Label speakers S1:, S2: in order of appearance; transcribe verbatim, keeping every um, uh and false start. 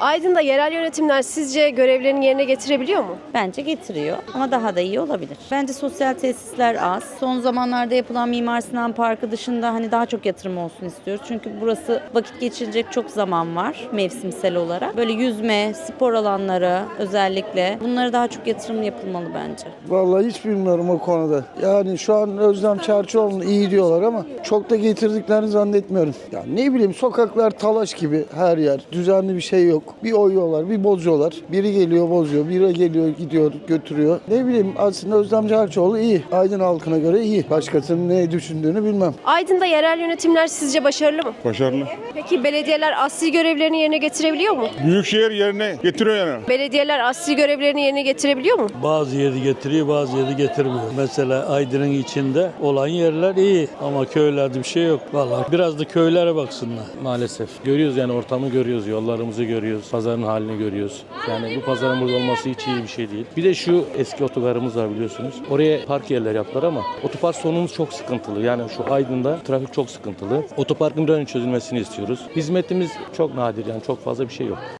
S1: Aydın'da yerel yönetimler sizce görevlerini yerine getirebiliyor mu?
S2: Bence getiriyor ama daha da iyi olabilir. Bence sosyal tesisler az. Son zamanlarda yapılan Mimar Sinan Parkı dışında hani daha çok yatırım olsun istiyoruz. Çünkü burası vakit geçirecek çok zaman var mevsimsel olarak. Böyle yüzme, spor alanları özellikle bunlara daha çok yatırım yapılmalı bence.
S3: Vallahi hiç bilmiyorum o konuda. Yani şu an Özlem Çerçioğlu'nu iyi diyorlar ama çok da getirdiklerini zannetmiyorum. Ya ne bileyim sokaklar talaş gibi her yer. Düzenli bir şey yok. Bir oyuyorlar, bir bozuyorlar. Biri geliyor bozuyor, biri geliyor gidiyor götürüyor. Ne bileyim aslında Özlem Çerçioğlu iyi. Aydın halkına göre iyi. Başkasının ne düşündüğünü bilmem.
S1: Aydın'da yerel yönetimler sizce başarılı mı?
S4: Başarılı.
S1: Peki belediyeler asli görevlerini yerine getirebiliyor mu?
S4: Büyükşehir yerine getiriyor yani.
S1: Belediyeler asli görevlerini yerine getirebiliyor mu?
S5: Bazı yeri getiriyor, bazı yeri getirmiyor. Mesela Aydın'ın içinde olan yerler iyi ama köylerde bir şey yok. Vallahi biraz da köylere baksınlar maalesef. Görüyoruz yani ortamı görüyoruz, yollarımızı görüyoruz, pazarın halini görüyoruz. Yani bu pazarın burada olması hiç iyi bir şey değil. Bir de şu eski otogarımız var biliyorsunuz. Oraya park yerleri yaptılar ama otopark sorunumuz çok sıkıntılı. Yani şu Aydın'da trafik çok sıkıntılı. Otoparkın bir an önce çözülmesini istiyoruz. Hizmetimiz çok nadir yani çok fazla bir şey yok.